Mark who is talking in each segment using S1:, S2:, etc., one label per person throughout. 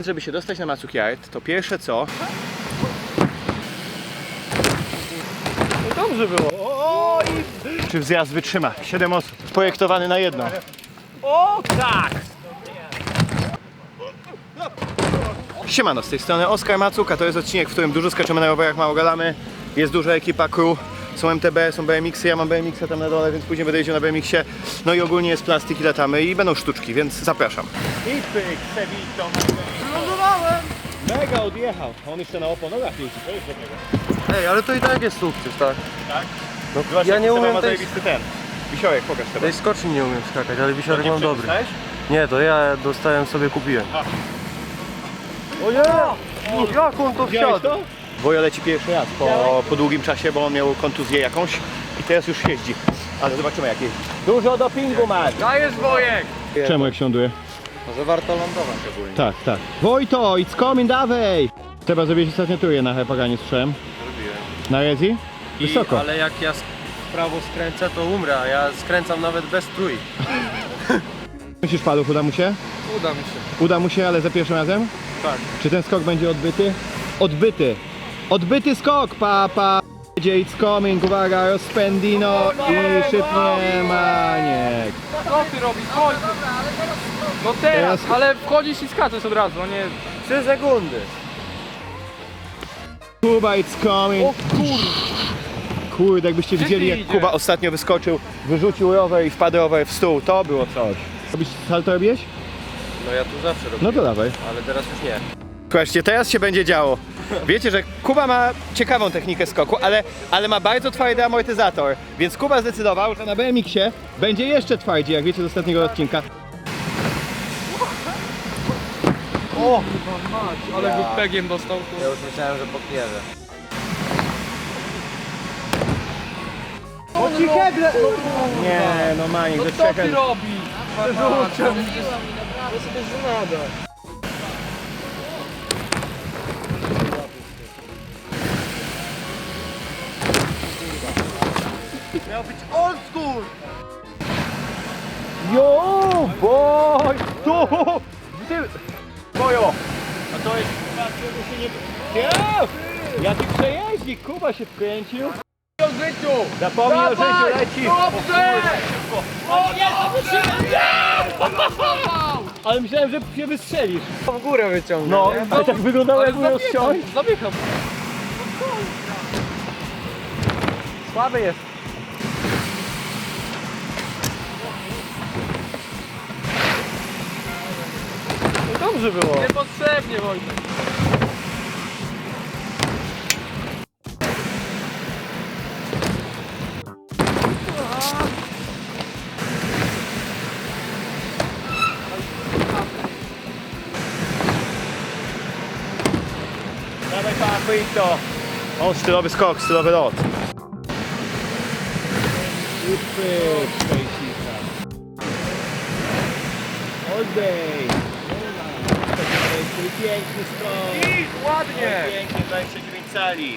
S1: Żeby się dostać na Matsukyaard, to pierwsze co...
S2: No dobrze było.
S1: Czy wzjazd wytrzyma? 7 osób. Projektowany na jedno.
S2: O tak!
S1: Siemano, z tej strony Oskar Macuka. To jest odcinek, w którym dużo skaczemy na rowerach, mało gadamy. Jest duża ekipa crew. Są MTB, są BMX-y, ja mam BMX-a tam na dole, więc później będę jeździł na BMX-ie. No i ogólnie jest plastik i latamy i będą sztuczki, więc zapraszam. I pyk, Sevito.
S2: Lądowałem!
S1: Mega odjechał. On jeszcze na oponogach jeździ, to jest dobrego.
S2: Ej, ale to i tak jest sukces, tak?
S1: Tak?
S2: No,
S1: Zobacz,
S2: ja
S1: jaki
S2: nie
S1: Seba
S2: umiem
S1: ma
S2: tej...
S1: zajebisty ten. Wisiorek, pokaż Seba.
S2: tej skoczni nie umiem skakać, ale wisiorek mam dobry.
S1: Dostałeś?
S2: Nie, to ja dostałem sobie, kupiłem. O nie! Jak on to
S1: Widziałeś
S2: wsiadł?
S1: to? Wojo leci pierwszy raz po długim czasie, bo on miał kontuzję jakąś i teraz już jeździ. Ale zobaczymy jak jeździ. Dużo dopingu ma!
S2: Dajesz, Wojek!
S1: Czemu jak się ląduje?
S2: Może warto lądować ogólnie.
S1: Tak, tak. Wojto, it's coming, dawaj! Trzeba zrobić ostatnio turę na Hepaganie, słyszałem.
S2: Zrobiłem.
S1: Na Rezi? Wysoko.
S2: Ale jak ja w prawo skręcę, to umrę, a ja skręcam nawet bez trój.
S1: Myślisz, Paluch, uda mu się?
S2: Uda mi się.
S1: Uda mu się, ale za pierwszym razem?
S2: Tak.
S1: Czy ten skok będzie odbyty? Odbyty! Odbyty skok! Pa! It's coming, uwaga, rozpędino i szybnie maniek.
S3: Co ty robisz? Chodź! No teraz, ale wchodzisz i skaczesz od razu, no nie...
S2: 3 sekundy.
S1: Kuba, it's coming.
S3: O
S1: Kurde, jakbyście
S3: Gdzie
S1: widzieli
S3: ty
S1: jak
S3: idziesz?
S1: Kuba ostatnio wyskoczył, wyrzucił rower i wpadł rower w stół, to było coś. Robisz salto robiłeś?
S2: No ja tu zawsze robię.
S1: No to dawaj.
S2: Ale teraz już nie.
S1: Słuchajcie, teraz się będzie działo. Wiecie, że Kuba ma ciekawą technikę skoku, ale ma bardzo twardy amortyzator, więc Kuba zdecydował, że na BMX-ie będzie jeszcze twardziej, jak wiecie z ostatniego odcinka.
S3: O! Ale go pegiem dostał.
S2: Ja już myślałem, że podjeżdżę.
S1: Nie, no Maniek,
S3: No
S1: ze
S3: co ty
S1: trzech...
S3: robisz?
S2: Ja sobie żenada. Miał być old school!
S1: Jo, boj! Tu! Ty! Bojo! A to jest... się nie... Ja ci przejeździ, Kuba się wkręcił.
S3: O życiu!
S1: Zapomnij o życiu,
S3: Dawaj!
S1: leci!
S3: Dobrze! O nie!
S1: Ale myślałem, że się wystrzelisz.
S2: W górę wyciągnę.
S1: No,
S2: nie?
S1: ale tak wyglądało jakby miał ściąć.
S3: Zabiegam.
S2: Słaby jest.
S1: No dobrze było.
S3: Niepotrzebnie, Wojtek.
S1: Dawaj papy i to. O, stylowy skok, stylowy lot. I pyk, szpejsika. Oddej. Piękny skok.
S3: I ładnie!
S1: Pięknie, 29 cali.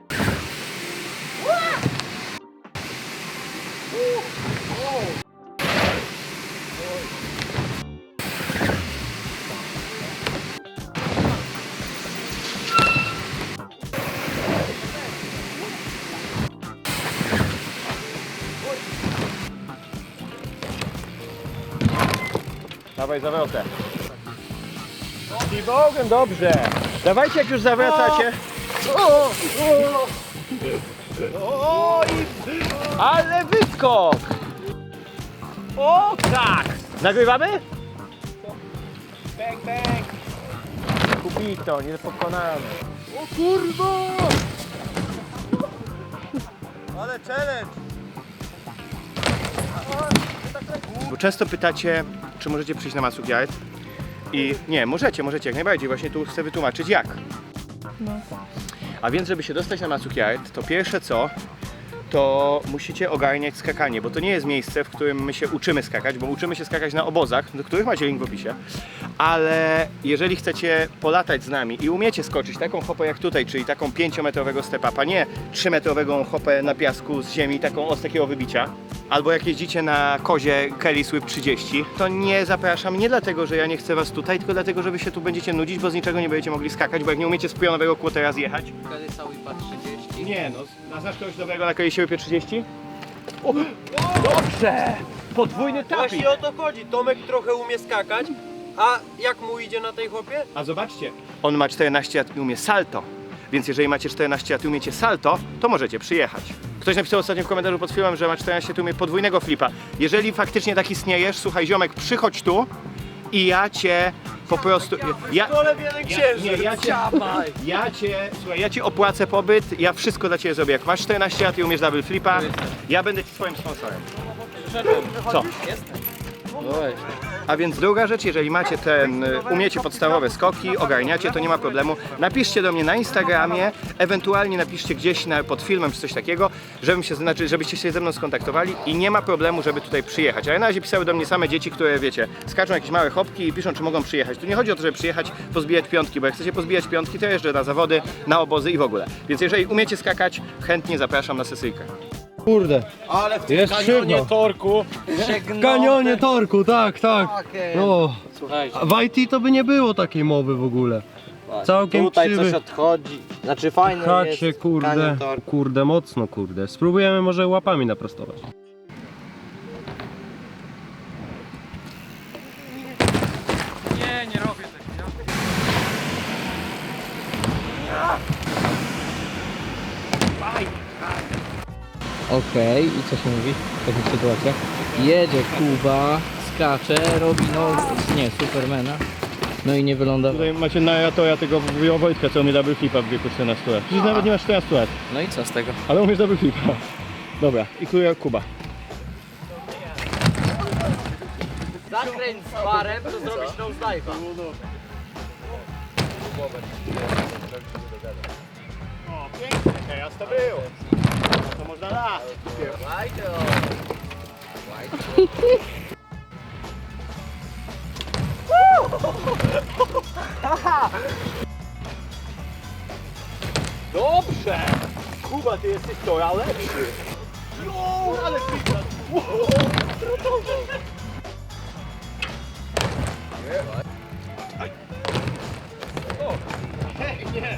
S1: Dawaj zawrotę. I Bogiem, dobrze. Dawajcie jak już zawracacie. O, ale wyskok! O tak! Nagrywamy? Bang, bang! Kubito, niepokonany.
S2: O kurwa! Ale challenge!
S1: Bo często pytacie, czy możecie przyjść na Matsukyaard. I nie, możecie jak najbardziej. Właśnie tu chcę wytłumaczyć jak. A więc, żeby się dostać na Matsukyaard, to pierwsze co, to musicie ogarniać skakanie, bo to nie jest miejsce, w którym my się uczymy skakać, bo uczymy się skakać na obozach, do których macie link w opisie, ale jeżeli chcecie polatać z nami i umiecie skoczyć taką hopę jak tutaj, czyli taką 5-metrowego step-upa, nie 3-metrową hopę na piasku z ziemi, taką z takiego wybicia, albo jak jeździcie na kozie Kelly Swift 30, to nie zapraszam, nie dlatego, że ja nie chcę was tutaj, tylko dlatego, że wy się tu będziecie nudzić, bo z niczego nie będziecie mogli skakać, bo jak nie umiecie z pionowego quartera zjechać.
S3: Kelly cały pat 30.
S1: Nie no, znasz kogoś dobrego na Kelly Swift 30? O, dobrze! Podwójny tapik!
S2: Właśnie o to chodzi. Tomek trochę umie skakać, a jak mu idzie na tej hopie?
S1: A zobaczcie, on ma 14 lat i umie salto. Więc jeżeli macie 14 lat i umiecie salto, to możecie przyjechać. Ktoś napisał ostatnio w komentarzu pod filmem, że ma 14 lat i umie podwójnego flipa. Jeżeli faktycznie tak istniejesz, słuchaj ziomek, przychodź tu i ja cię po prostu...
S2: Dole jeden księżyc.
S1: Ja cię opłacę pobyt, ja wszystko dla ciebie zrobię. Jak masz 14 lat i umiesz double flipa, ja będę ci swoim sponsorem. Co?
S3: No weź.
S1: A więc druga rzecz, jeżeli macie umiecie podstawowe skoki, ogarniacie, to nie ma problemu. Napiszcie do mnie na Instagramie, ewentualnie napiszcie gdzieś pod filmem czy coś takiego, żebyście się ze mną skontaktowali i nie ma problemu, żeby tutaj przyjechać. Ale na razie pisały do mnie same dzieci, które wiecie, skaczą jakieś małe hopki i piszą, czy mogą przyjechać. Tu nie chodzi o to, żeby przyjechać, pozbijać piątki, bo jak chcecie pozbijać piątki, to jeżdżę na zawody, na obozy i w ogóle. Więc jeżeli umiecie skakać, chętnie zapraszam na sesyjkę.
S4: Kurde,
S2: Ale w
S4: jest szybko.
S2: torku.
S4: W kanionie torku, tak, tak. No,
S3: Słuchajcie.
S4: w IT to by nie było takiej mowy w ogóle. Całkiem
S5: Tutaj
S4: krzywy.
S5: coś odchodzi. Znaczy fajne
S4: Chacie,
S5: jest.
S4: kurde,
S5: kanion torku.
S4: kurde, mocno, kurde. Spróbujemy może łapami naprostować.
S3: Nie robię tego. Okej, i co się mówi w takich sytuacjach? Jedzie Kuba, skacze, robi nie, Supermana. No i nie wylądował.
S1: Tutaj macie narratora tego Wojtka, co umie double flipa w wieku 14 lat. Przecież nawet nie masz 14 lat,
S3: No i co z tego?
S1: ale umiesz double flipa. Dobra, i Kuba.
S2: Zakręć z barem, to zrobisz nosedive'a.
S1: O, pięknie, teraz to było. To można dać. Dobrze! Kuba, ty jesteś to lepszy. Jo, ale klika. Nie.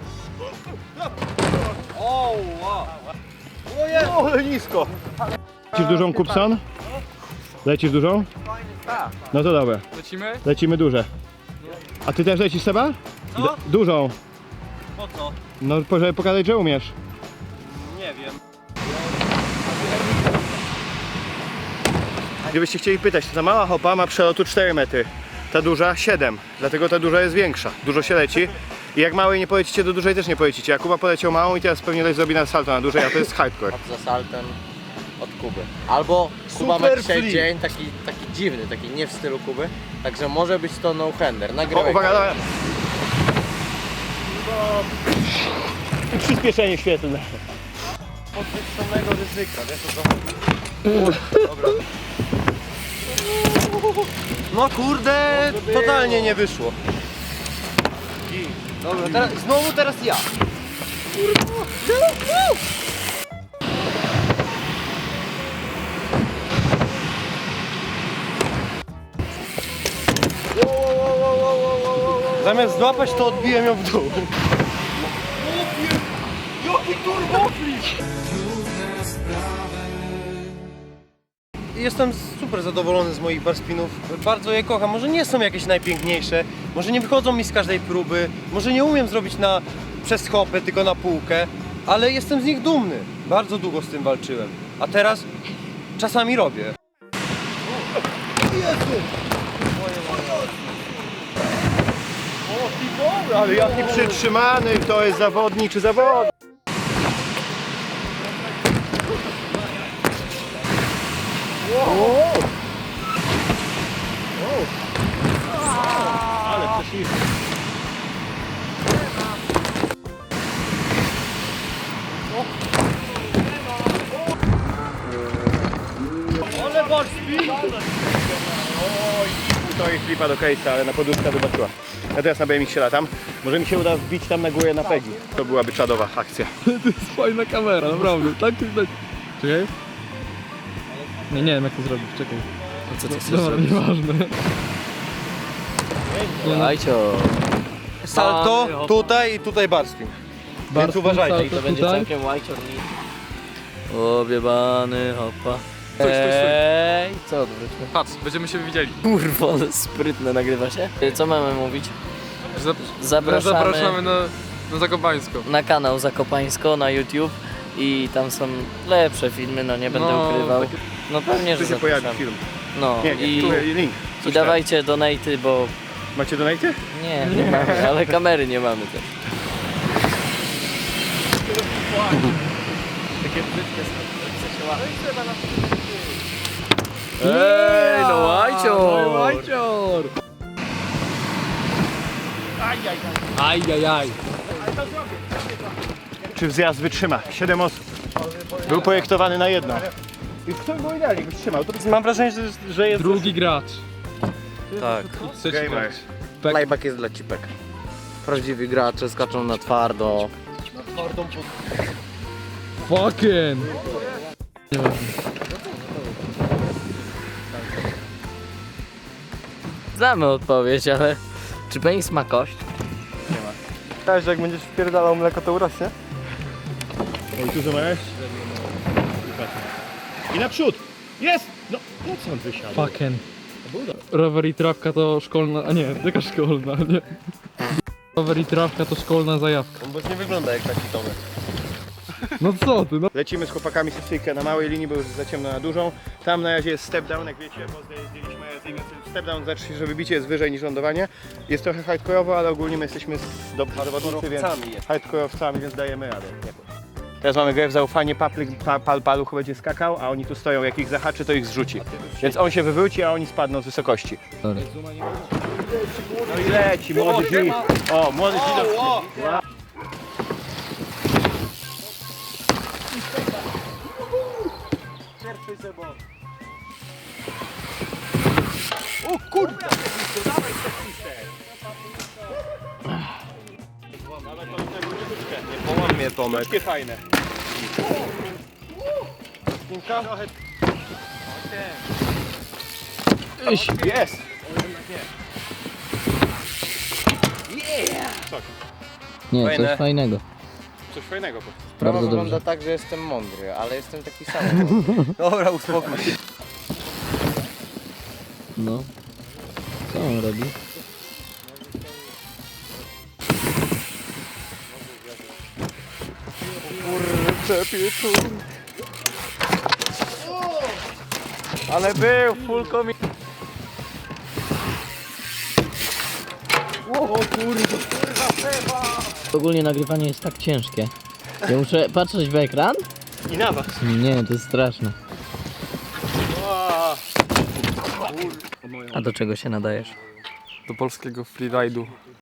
S2: O, wow.
S1: O, ale nisko. Lecisz dużą, Kupson? Lecisz dużą? No to dobra,
S3: Lecimy?
S1: lecimy duże. A ty też lecisz, Seba? Dużą.
S2: Po co?
S1: No, żeby pokazać, że umiesz.
S2: Nie wiem.
S1: Gdybyście chcieli pytać, to ta mała hopa ma przelotu 4 metry, ta duża 7, dlatego ta duża jest większa, dużo się leci i jak małej nie polecicie, do dużej też nie polecicie. Jak Kuba poleciał małą i teraz pewnie ktoś zrobi na salto na dużej, a to jest hardcore.
S5: Za saltem od Kuby. Albo Kuba ma dzisiaj dzień taki dziwny, taki nie w stylu Kuby. Także może być to no-hander.
S1: O,
S5: Nagrywaj.
S1: uwaga, dobra. I przyspieszenie świetlne.
S2: Podwyższonego ryzyka, wiesz o co chodzi? Dobra. No kurde, totalnie nie wyszło. Dobra, teraz ja. Zamiast złapać, to odbiłem ją w dół. Jestem super zadowolony z moich bar spinów. Bardzo je kocham. Może nie są jakieś najpiękniejsze, może nie wychodzą mi z każdej próby, może nie umiem zrobić przez hopę, tylko na półkę, ale jestem z nich dumny. Bardzo długo z tym walczyłem. A teraz czasami robię.
S1: Ale jaki przytrzymany, to jest zawodnik czy zawodnik. Ale przeszliśmy. To jest flipa do case'a, ale na poduszka zobaczyła. Ja teraz na BMX się latam. Może mi się uda wbić tam na górę na Peggy. To byłaby czadowa akcja.
S4: To jest fajna kamera, naprawdę. Tak to jest. Czekaj. Nie wiem jak to zrobić, czekaj.
S3: Co ty chcesz
S4: Dobra,
S3: zrobić?
S4: nieważne.
S3: Słuchajcie,
S2: Salto tutaj i tutaj barspin. Więc uważajcie.
S3: i to będzie
S4: tutaj.
S3: całkiem łajcior. Obiebany, hopa.
S6: Stój.
S3: Co odwróćmy?
S6: Patrz, będziemy się widzieli.
S3: Kurwa, ale sprytne, nagrywa się. Co mamy mówić? Zapraszamy
S6: Zapraszamy na Zakopańsko.
S3: na kanał Zakopańsko na YouTube i tam są lepsze filmy, no nie będę
S6: No,
S3: ukrywał.
S6: takie-
S3: No pewnie,
S1: Tu
S3: że
S1: się pojawi
S3: zapraszamy.
S1: film.
S3: No
S1: Nie, nie,
S3: i,
S1: tu link.
S3: i dawajcie donaty, bo
S1: Macie donaty?
S3: nie mamy, ale kamery nie mamy też. Ej, no łajcior!
S4: Łajcior! Ajajaj.
S1: Czy zjazd wytrzyma? 7 osób. Był projektowany na jedną. I kto go idealnie wytrzymał? To
S2: Mam wrażenie, że jest...
S4: Drugi gracz.
S5: Tak.
S4: Trzeci gracz.
S1: gamers.
S5: Playback jest dla cipek. Prawdziwi gracze skaczą na twardo.
S4: Fucking.
S3: Znamy odpowiedź, ale czy penis ma kość?
S2: Też jak będziesz wpierdalał mleko, to urośnie.
S1: Oj, tu zobacz. I naprzód! Jest! No, po co on wysiadł?
S4: Fucking. Rower i trawka to szkolna, a nie, jaka szkolna, nie. Rower i trawka to szkolna zajawka.
S2: Bo nie wygląda jak taki Tomek.
S4: No co ty, no.
S1: Lecimy z chłopakami z Sycyjkę na małej linii, bo już za ciemno na dużą. Tam na razie jest step down, jak wiecie, bo zdjęliśmy step down, znaczy, że wybicie jest wyżej niż lądowanie. Jest trochę hardkorowo, ale ogólnie my jesteśmy dobrzy zawodnicy, więc hardkorowcami, więc dajemy radę. Teraz mamy grę w zaufanie, paluch będzie skakał, a oni tu stoją, jak ich zahaczy, to ich zrzuci. Więc on się wywróci, a oni spadną z wysokości.
S3: Dobra.
S1: No i leci, młody G. O, młody G. O kurde!
S2: Połam mnie Tomek.
S1: Takie fajne. Jest!
S3: Nie,
S2: Fajne.
S3: coś fajnego.
S1: Coś fajnego.
S5: Sprawa
S3: Bardzo
S5: wygląda
S3: dobrze.
S5: tak, że jestem mądry, ale jestem taki sam.
S2: Dobra, uspokój się.
S3: No. Co on robi?
S1: Ale był, full komi...
S3: Ogólnie nagrywanie jest tak ciężkie. Ja muszę patrzeć w ekran?
S1: I na was.
S3: Nie, to jest straszne. A do czego się nadajesz?
S6: Do polskiego freeride'u.